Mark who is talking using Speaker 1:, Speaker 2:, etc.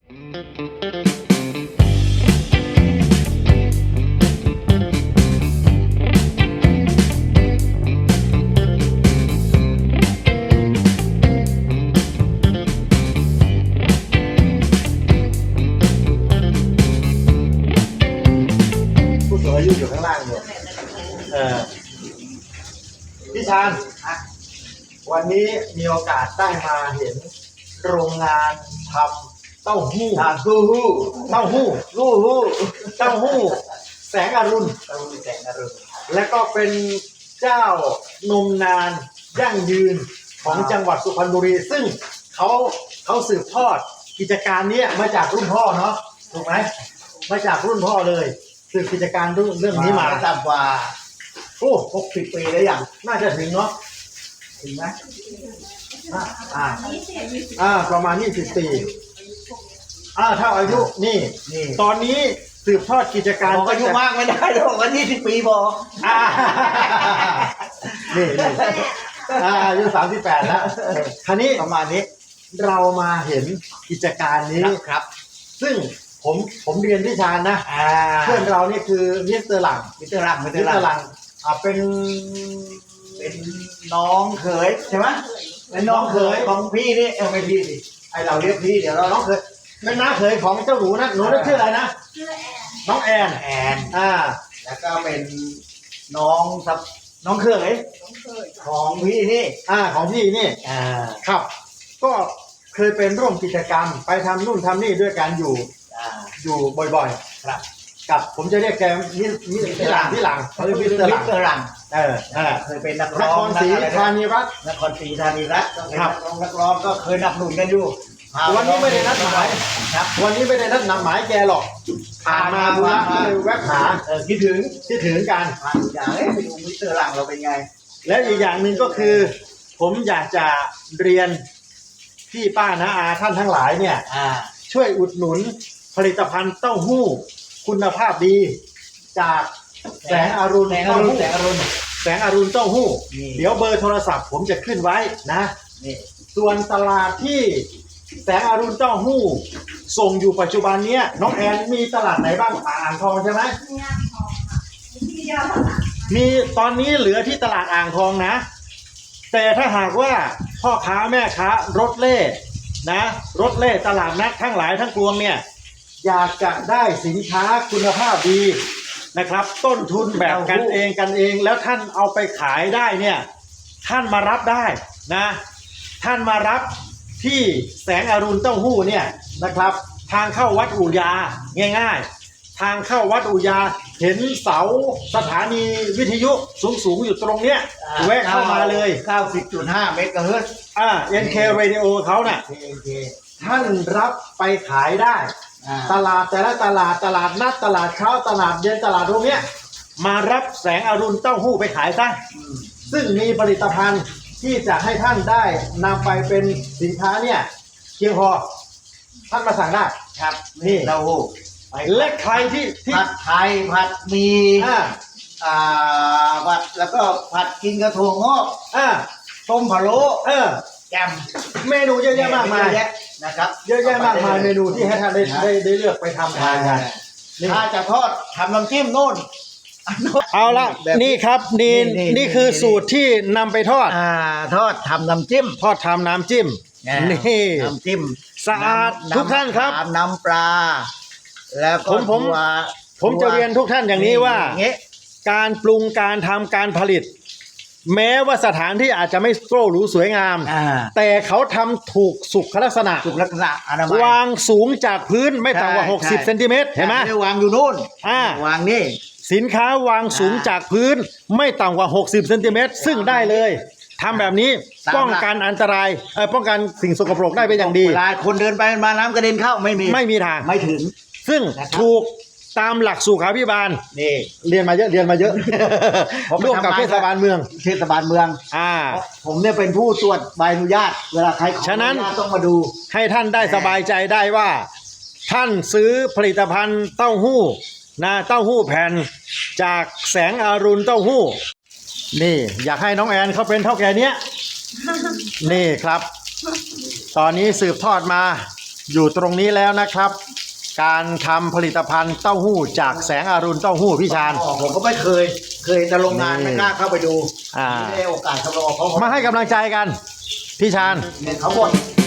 Speaker 1: ผู้สูงอายุอยู่ข้างล่างเนี่ยพี่ชาญวันนี้มีโอกาสได้มาเห็นโรงงานทำเต้าหู้เต้าหู้แสงอรุณและก็เป็นเจ้านมนานยั่งยืนของจังหวัดสุพรรณบุรีซึ่งเขาสืบทอดกิจการนี้มาจากรุ่นพ่อเนาะถูกไหมมาจากรุ่นพ่อเลยสืบกิจการเรื่องนี้มาต่ำกว่า60 ปีแล้วอย่างน่าจะถึงเนาะถึงไหมประมาณ20 ปีถ้าอายุนี่ตอนนี้สืบทอดกิจการ
Speaker 2: อายุมากไม่ได้หรอกวัน20 ปีพอ
Speaker 1: นี่อายุ38แล้วคราวนี้ประมาณนี้เรามาเห็นกิจการนี้ครับซึ่งผมเรียนที่ชาญนะเพื่อนเรานี่คือมิสเตอร์หลังเป็นน้องเขยใช่ไหมเป็นน้องเขยของพี่นี่ไม่พี่สิไอเราเรียกพี่เดี๋ยวเราน้องเขยเป็นน้าเขยของเจ้าหนูนะหนูชื่ออะไรนะน้องแอนแล้วก็เป็นน้องเขยของพี่นี่ของพี่นี่ครับก็เคยเป็นร่วมกิจกรรมไปทำนู่นทำนี่ด้วยกันอยู่บ่อยๆครับกับผมจะเรียกแกที่หลังเขาเรียกมิสเตอร์หลังเคยเป็นนักร้องนครศรีธานีรัตน์ครับนักร้องก็เคยนับหนุนกันอยู่วันนี้ไม่ได้นัดหมายครับวันนี้ไม่ได้นัดหมายแกหรอกผ่านมาดูนะแวะหาคิดถึงกันอยากไปดูมิสเตอร์หลังเราเป็นไงแล้วอีกอย่างหนึ่งก็คือผมอยากจะเรียนพี่ป้าน้าอาท่านทั้งหลายเนี่ยช่วยอุดหนุนผลิตภัณฑ์เต้าหู้คุณภาพดีจากแสงอรุณเต้าหู้เดี๋ยวเบอร์โทรศัพท์ผมจะขึ้นไว้นะส่วนตลาดที่แสงอรุณเต้าหู้ส่งอยู่ปัจจุบันนี้น้องแอนมีตลาดไหนบ้างอ่างทองใช่ไหมมีตอนนี้เหลือที่ตลาดอ่างทองนะแต่ถ้าหากว่าพ่อค้าแม่ค้ารถเล่ตลาดนัดทั้งหลายทั้งปวงเนี่ยอยากจะได้สินค้าคุณภาพดีนะครับต้นทุนแบบกันเองแล้วท่านเอาไปขายได้เนี่ยท่านมารับได้นะท่านมารับที่แสงอรุณเต้าหู้เนี่ยนะครับทางเข้าวัดอู่ยาง่ายๆทางเข้าวัดอู่ยาเห็นเสาสถานีวิทยุสูงอยู่ตรงเนี้ยแวะเข้ามาเลย 90.5 เมกะเฮิรตซ์NK Radio เขาน่ะท่านรับไปขายได้ตลาดแต่ละตลาดนัดตลาดเช้าตลาดเย็นตลาดตรงเนี้ยมารับแสงอรุณเต้าหู้ไปขายซะซึ่งมีผลิตภัณฑ์ที่จะให้ท่านได้นำไปเป็นสินค้าเนี่ยเพียงพอท่านมาสั่งได้ครับนี่เต้าหู้และใครที่ผัดไทยผัดมีผัดแล้วก็ผัดกินกระถั่วงอกต้มพะโล้แกมเมนูเยอะแยะมากมายนะครับเยอะแยะมากมายเมนูที่ให้ท่านได้เลือกไปทำทานกันถ้าจะทอดทำน้ำจิ้มโน่นเอาละนี่ครับนี่คือสูตรที่นำไปทอดทำน้ำจิ้มนี่น้ำจิ้มสะอาดทุกท่านครับน้ำปลาแล้วก็ผมจะเรียนทุกท่านอย่างนี้ว่าการปรุงการทำการผลิตแม้ว่าสถานที่อาจจะไม่โก้หรูสวยงามแต่เขาทำถูกสุขลักษณะวางสูงจากพื้นไม่ต่ำกว่า60 เซนติเมตรเห็นไหมวางอยู่นู่นวางนี่สินค้าวางสูงจากพื้นไม่ต่ำกว่า60 เซนติเมตรซึ่งได้เลยทำแบบนี้ป้องกันอันตรายป้องกันสิ่งสกปรกได้เป็นอย่างดีเวลาคนเดินไปมาน้ำกระเด็นเข้าไม่มีทางไม่ถึงซึ่งถูกตามหลักสุขาภิบาลนี่เรียนมาเยอะร่วมกับเทศบาลเมืองผมเนี่ยเป็นผู้ตรวจใบอนุญาตเวลาใครขออนุญาตต้องมาดูให้ท่านได้สบายใจได้ว่าท่านซื้อผลิตภัณฑ์เต้าหู้เต้าหู้แผ่นจากแสงอรุณเต้าหู้นี่อยากให้น้องแอนเขาเป็นเท่าแก่เนี้ยนี่ครับตอนนี้สืบทอดมาอยู่ตรงนี้แล้วนะครับ การทำผลิตภัณฑ์เต้าหู้จากแสงอรุณเต้าหู้พี่ชาญ
Speaker 2: ผมก็ไม่เคยแต่โรงงานไม่กล้าเข้าไปดู
Speaker 1: อ่า
Speaker 2: ไม่ได้โอกาสเข้าไปออกเขา
Speaker 1: มาให้กำลังใจกัน พี่ชาญ
Speaker 2: เขาหมด